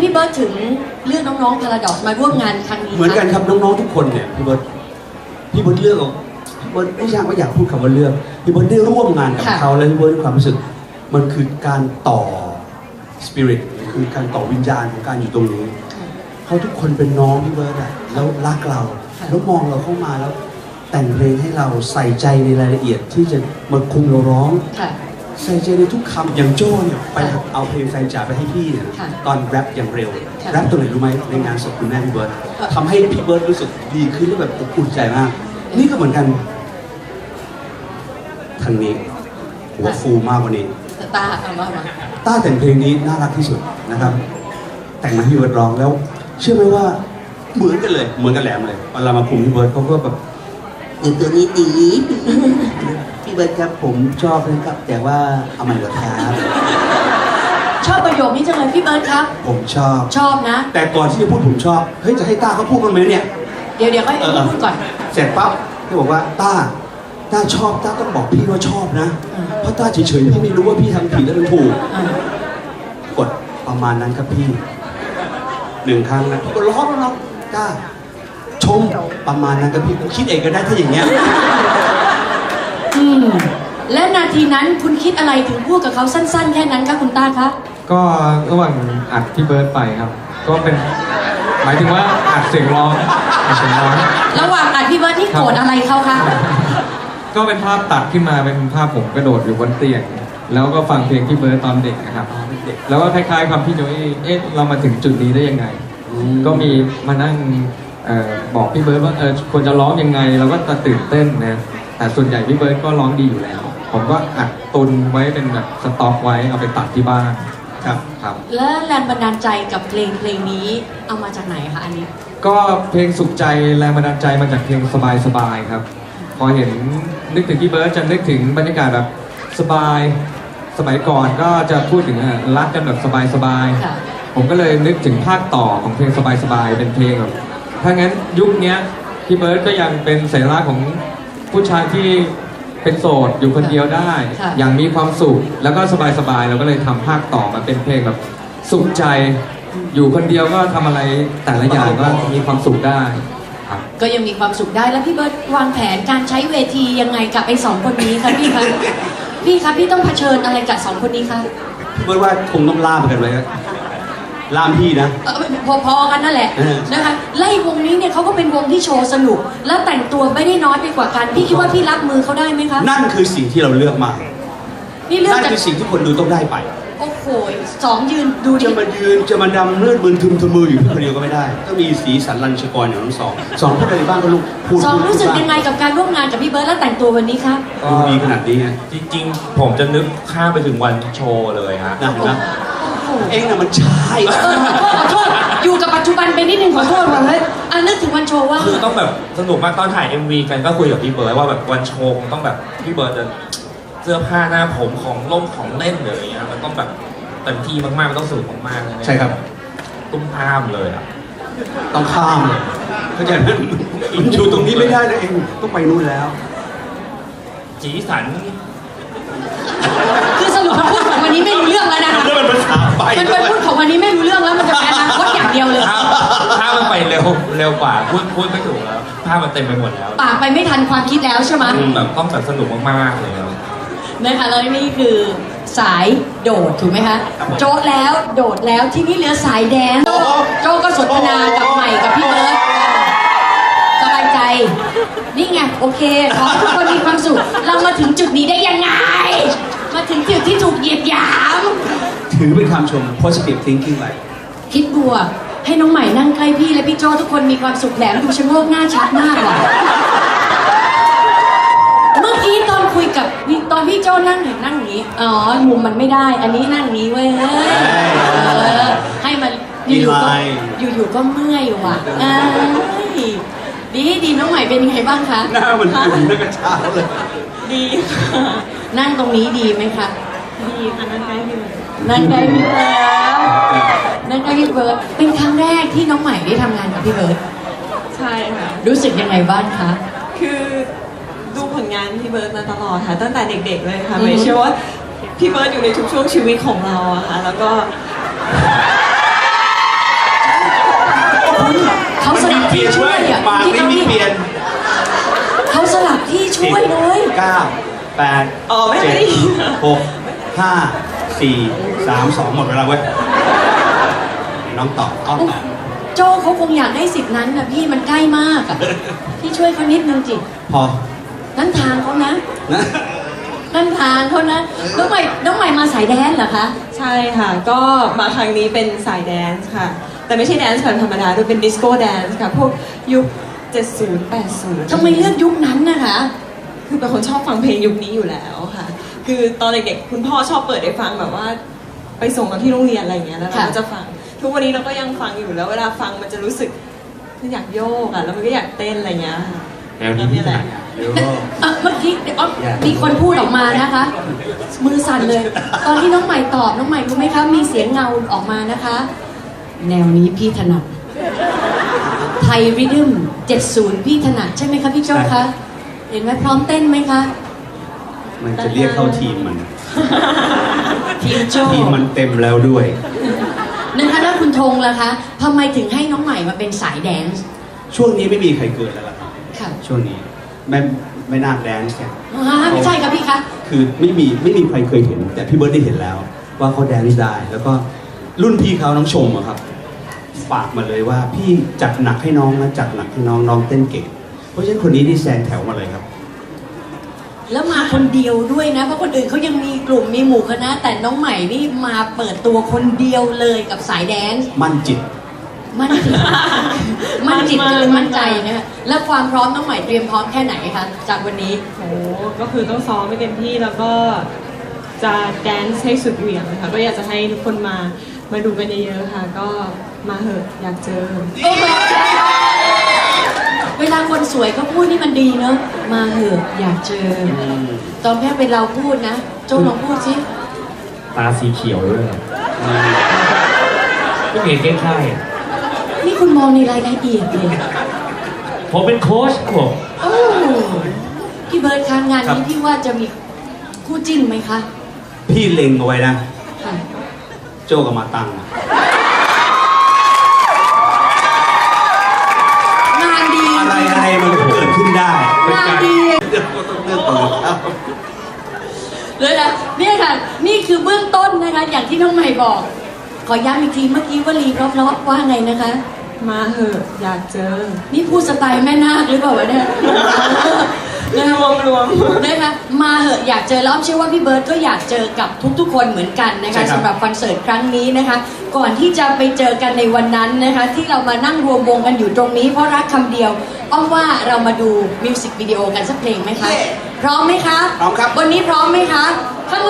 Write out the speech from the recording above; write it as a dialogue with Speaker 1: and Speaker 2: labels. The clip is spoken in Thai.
Speaker 1: พี่เบิร์ดถึงเลือกน้องๆ Paradox มาร่วมงานครั้งนี้
Speaker 2: เหมือนกันครับน้องๆทุกคนเนี่ยพี่เบิร์ดเลือกพี่เบิร์ดไม่อยากพูดคำว่าเลือกพี่เบิร์ดได้ร่วมงานกับเขาแล้วพี่เบิร์ดมีความรู้สึกมันคือการต่อสปิริตคือการต่อวิญญาณของการอยู่ตรงนี้เขาทุกคนเป็นน้องพี่เบิร์ดอะแล้วรักเราแล้วมองเราเข้ามาแล้วแต่งเพลงให้เราใส่ใจในรายละเอียดที่จะมาคุมเราร้องใส่ใจในทุกคำอย่างโจ้เนี่ยไปเอาเพลงแฟนจ๋าไปให้พี่เนี่ยตอนแรปอย่างเร็วแรปตัวไหนรู้ไหมในงานศพคุณแม่พี่เบิร์ดทำให้พี่เบิร์ดรู้สึกดีขึ้นแล้วแบบอบอุ่นใจมากนี่ก็เหมือนกันทางนี้หัวฟูมากกว่านี้
Speaker 1: ต้าเอามา
Speaker 2: ต้าแต่งเพลงนี้น่ารักที่สุดนะครับแต่งมาให้พี่เบิร์ดร้องแล้วเชื่อไหมว่าเหมือนกันเลยเหมือนกันแหลมเลยเวลามาคุมพี่เบิร์ดเขาก็แบบตัวนี้ดีพี่เบิร์ดครับผมชอบนะครับแต่ว่าเอามันเหรอครับ
Speaker 1: ชอบประโยคนี้จังเลยพี่เบิร์ดครับ
Speaker 2: ผมชอบ
Speaker 1: นะ
Speaker 2: แต่ก่อนที่จะพูดผมชอบเฮ้ยจะให้ต้าเขาพูดกันไหมเนี่ย
Speaker 1: เดี๋ยวค่อยพูดก่อน
Speaker 2: เสร็จปั๊บเขาบอกว่าต้าชอบต้าต้องบอกพี่ว่าชอบนะเพราะต้าเฉยๆพี่ไม่รู้ว่าพี่ทำผิดแล้วมันถูกกดประมาณนั้นครับพี่1 ครั้งนะก็ร้องต้าชมประมาณนั้นครับพี่คิดเองก็ได้ถ้าอย่างเงี้ย
Speaker 1: และนาทีนั้นคุณคิดอะไรถึงพูดกับเขาสั้นๆแค่นั้นคะคุณต้าคะ
Speaker 3: ก็ระหว่างอัดพี่เบิร์ดไปครับก็เป็นหมายถึงว่าอัดเสียงร้อง
Speaker 1: ระหว่างอัดพี่เบิร์ดที่โกรธอะไรเขาคะ
Speaker 3: ก็เป็นภาพตัดขึ้นมาเป็นภาพผมกระโดดอยู่บนเตียงแล้วก็ฟังเพลงพี่เบิร์ดตอนเด็กนะครับแล้วก็คล้ายๆความพี่โจยเรามาถึงจุดนี้ได้ยังไงก็มีมานั่งบอกพี่เบิร์ดว่าควรจะร้องยังไงเราก็จะตื่นเต้นนะแต่ส่วนใหญ่พี่เบิร์ดก็ร้องดีอยู่แล้วผมก็อัดตุนไว้เป็นแบบสต็อกไว้เอาไปตัดที่บ้านครับ
Speaker 1: แล้วแรงบันดาลใจกับเพลงนี้เอามาจากไหนคะอันนี้
Speaker 3: ก็เพลงสุขใจแรงบันดาลใจมาจากเพลงสบายครับพอเห็นนึกถึงพี่เบิร์ดจะนึกถึงบรรยากาศแบบสบายสมัยก่อนก็จะพูดถึงรักกันแบบสบายผมก็เลยนึกถึงภาคต่อของเพลงสบายเป็นเพลงแบบถ้างั้นยุคนี้พี่เบิร์ดก็ยังเป็นสัญลักษณ์ของผู้ชายที่เป็นโสดอยู่คนเดียวได้อย่างมีความสุขแล้วก็สบายเราก็เลยทำภาคต่อมาเป็นเพลงแบบสุขใจอยู่คนเดียวก็ทำอะไรแต่ละอย่างก็มีความสุขได้
Speaker 1: ก็ยังมีความสุขได้แล้วพี่เบิร์ดวางแผนการใช้เวทียังไงกับไอ้2 คนนี้คะพี่คะพี่ต้องเผชิญอะไรกับ2 คนนี้คะ
Speaker 2: พี่เบิร์ดว่าคงต้องล่ามกันไว้ล่ามพี่นะ
Speaker 1: พอกันนั่นแหละนะคะไล่วงนี้เนี่ยเขาก็เป็นวงที่โชว์สนุกและแต่งตัวไม่ได้น้อยไปกว่ากันพี่คิดว่าพี่รับมือเขาได้ไหมคะ
Speaker 2: นั่นคือสิ่งที่เราเลือกมานั่นคือสิ่งที่คนดูต้องได้ไป
Speaker 1: โอ้โห2 ยืนดูดิ
Speaker 2: จะมาดำเลือดมึนทึมทะมืออยู่คนเดียวก็ไม่ได้ต้องมีสีสันรัญชกรอย่างทั้งสองพูดอะไรบ้างก็ลูกพูด
Speaker 1: รู้สึกยังไงกับการร่วมงานกับพี่เบิร์ดและแต่งตัววันนี้ครับ
Speaker 2: ดูดีขนาดนี้ไง
Speaker 4: จริงๆผมจะนึกข้ามไปถึงวันโชว์เลยฮะ
Speaker 2: นะเองน่ะมันใช่
Speaker 1: ขอโทษอยู่กับปัจจุบันไปนิดนึงขอโทษว่าเฮ้ยนึกถึงวันโชว์ว่า
Speaker 4: คือต้องแบบสนุกมากตอนถ่าย MV กันก็คุยกับพี่เบิร์ดว่าแบบวันโชว์ต้องแบบพี่เบิร์ดจะเสื้อผ้าหน้าผมของล่มของเล่นหรืออะไรเงี้ยมันต้องแบบเต็มที่มากๆมันต้องสนุกมากๆเลย
Speaker 2: ใช่ครับ
Speaker 4: ตุ้มข้ามเลยอ่ะ
Speaker 2: ต้องข้ามเลยเข้าใจไหมอยู่ตรงนี้ไม่ได้นะเองต้องไปนู่นแล้ว
Speaker 4: สีสัน
Speaker 1: คือสรุปคำพูดของวันนี้ไม่รู้เรื่องแล้วนะคะ
Speaker 2: มันเป็นภาษาไป
Speaker 1: มันเป็นพูดของวันนี้ไม่รู้เรื่องแล้วมันจะเป็นอนาคตอย่างเดียวเลย
Speaker 4: ถ้ามันไปเร็วกว่าพูดไม่ถูกแล้วภาพมันเต็มไปหมดแล้ว
Speaker 1: ปากไปไม่ทันความคิดแล้วใช่ไหม
Speaker 4: แบบต้องแบบสนุกมากๆเลย
Speaker 1: นะคะแล้วนี่คือสายโดดถูกไหมคะโจ๊ะแล้วโดดแล้วที่นี่เหลือสายแดนโจ๊ะก็สนทนากับใหม่กับพี่เบิร์ดสบายใจนี่ไงโอเคขอให้ทุกคนมีความสุขเรามาถึงจุดนี้ได้ยังไงมาถึงจุดที่ถูกเหยียดหยาม
Speaker 2: ถือเป็นคำชม positive thinking เลย
Speaker 1: คิดบวกให้น้องใหม่นั่งใกล้พี่และพี่โจ้ทุกคนมีความสุขแหลมดูชะโงกหน้าชัดมากว่ะเมื่อกี้ตอนคุยกับตอนพี่โจ้นั่งอย่างนี้อ๋อมุมมันไม่ได้อันนี้นั่งนี้เว้ยให้มันอยู่ก็เมื่อยว่ะดีน้องใหม่เป็นยังไงบ้างคะ
Speaker 2: หน้ามันตึงหน้ากระชากเลย
Speaker 1: ดีนั่งตรงนี้ดีไหมคะดีค่ะนั่งใกล้พี่เบิร์ดนั่งใกล้พี่เบิร์ดเป็นครั้งแรกที่น้องใหม่ได้ทำงานกับพี่เบิร์ด
Speaker 5: ใช่ค่ะ
Speaker 1: รู้สึกยังไงบ้างคะ
Speaker 5: คือดูผลงานพี่เบิร์ดมาตลอดค่ะตั้งแต่เด็กๆเลยค่ะไม่เชื่อว่าพี่เบิร์ดอยู่ในทุกช่วงชีวิตของเราอะค่ะแล้วก็
Speaker 2: 9 8
Speaker 5: อ๋อไม่ได้
Speaker 2: 7 6 5 4 3 2 หมดเวลาเว้ยน้องตอบอ้อมตอบ
Speaker 1: โจเขาคงอยากได้สิทธิ์นั้นนะพี่มันใกล้มากอะพี่ช่วยเขานิดนึงจิ
Speaker 2: พอ
Speaker 1: นั่นทางเขานะ
Speaker 2: นะ
Speaker 1: นั่นทางเขานะน้องใหม่มาสายแดนเหรอคะ
Speaker 5: ใช่ค่ะ ก็มาครั้งนี้เป็นสายแดนซ์ค่ะ แต่ไม่ใช่แดนซ์แบบธรรมดาด้วยเป็นดิสโก้แดนซ์ค่ะ พวกยุค 70 80
Speaker 1: ทำไมเลือกยุคนั้นนะคะ
Speaker 5: คือเป็นคนชอบฟังเพลงยุคนี้อยู่แล้วค่ะ คือตอนเด็กๆคุณพ่อชอบเปิดให้ฟังแบบว่า ไปส่งเราที่โรงเรียนอะไรอย่างเงี้ยแล้วเราก็จะฟัง ทุกวันนี้เราก็ยังฟังอยู่แล้วเวลาฟังมันจะรู้สึกมันอยากโยกอ่ะแล้วมันก็อยากเต้นอะไรอย่างเงี้ยค่ะ
Speaker 4: แนวนี้พี่ถนัด
Speaker 1: เมื่อกี้มีคนพูดออกมานะคะ มือสั่นเลย ตอนที่น้องใหม่ตอบน้องใหม่รู้ไหมคะมีเสียงเงาออกมานะคะ แนวนี้พี่ถนัดไทยริทึม70พี่ถนัดใช่ไหมคะพี่โจ้คะเห็นไหมพร้อมเต้นไหมคะ
Speaker 2: มันจะเรียกเข้าทีมมัน
Speaker 1: ทีมโจ้
Speaker 2: ทีมมันเต็มแล้วด้วย
Speaker 1: นะคะแล้วคุณธงล่ะคะทำไมถึงให้น้องใหม่มาเป็นสายแดนซ์
Speaker 2: ช่วงนี้ไม่มีใครเกิดแล้วล่ะครับ
Speaker 1: ค่ะ
Speaker 2: ช่วงนี้ไม่น่าแดนซ์แค่
Speaker 1: ไม่ใช่ค่ะพี่คะ
Speaker 2: คือไม่มีใครเคยเห็น แต่พี่เบิร์ดได้เห็นแล้ว ว่าเขาแดนซ์ได้ แล้วก็รุ่นพี่เขาน้องชมอะครับฝากมาเลยว่าพี่จัดหนักให้น้องนะจัดหนักให้น้องน้องเต้นเก่ง เพราะฉะนั้นคนนี้ที่แซงแถวมาเลยครับ
Speaker 1: แล้วมาคนเดียวด้วยนะ เพราะคนอื่นเขายังมีกลุ่มมีหมู่คณะ แต่น้องใหม่นี่มาเปิดตัวคนเดียวเลยกับสายแดนซ์
Speaker 2: มั่นจิต
Speaker 1: มั่นจิต มั่นจิตก็เลยมั่นใจนะคะแล้วความพร้อมน้องใหม่เตรียมพร้อมแค่ไหนคะจากวันนี้
Speaker 5: โหก็คือต้องซ้อมให้เต็มที่แล้วก็จะแดนซ์ให้สุดเหวี่ยงเลยค่ะก็อยากจะให้ทุกคนมาดูกันเยอะๆค่ะ ก็มาเหอะอยากเจอ
Speaker 1: เวลาคนสวยก็พูดนี่มันดีเนอะมาเหอะอยากเจอ ตอนแค่เป็นเราพูดนะโจลองพูดสิ
Speaker 4: ตาสีเขียวด้วยก็เห็นใกล้
Speaker 1: นี่คุณมองในรายละเอียดเลย
Speaker 4: ๆผมเป็นโค้ชครับผม
Speaker 1: โอ้พี่เบิร์ดคะงาน
Speaker 2: ครั
Speaker 1: นี้
Speaker 2: บ
Speaker 1: พี่ว่าจะมีคู่จิ้นไหมคะ
Speaker 2: พี่เล็งเอาไว้นะ
Speaker 1: ค่ะ
Speaker 2: โจกับมาตัง
Speaker 1: งานดี
Speaker 2: อะไรมันก็เกิดขึ้นได้
Speaker 1: งานดี
Speaker 2: เดี๋ยวก็ต้องเลือกตัวครับ
Speaker 1: เลยนะเนี่ยค่ะ นี่คือเบื้องต้นนะคะ อย่างที่น้องใหม่บอก ขอย้ำอีกทีเมื่อกี้ว่ารีเพราะๆว่าไงนะคะ
Speaker 5: มาเหอะอยากเจอ
Speaker 1: นี่พูดสไตล์แม่นาคหรือเปล่าวะเนี่ย
Speaker 5: รวม
Speaker 1: นะคะมาเหอะอยากเจอแล้วอ้อมเชื่อว่าพี่เบิร์ดก็อยากเจอกับทุกๆ คนเหมือนกันนะ
Speaker 2: ใช่
Speaker 1: คะ
Speaker 2: ครับ
Speaker 1: สำหรับคอนเสิร์ตครั้งนี้นะคะ ก่อนที่จะไปเจอกันในวันนั้นนะคะ ที่เรามานั่งรวมวงกันอยู่ตรงนี้เพราะรักคำเดียวอ้อมว่าเรามาดูมิวสิกวิดีโอกันสักเพลงไหมคะพร้อมไหมคะ
Speaker 2: พร้อมครับ
Speaker 1: วันนี้พร้อมไหมคะข้าง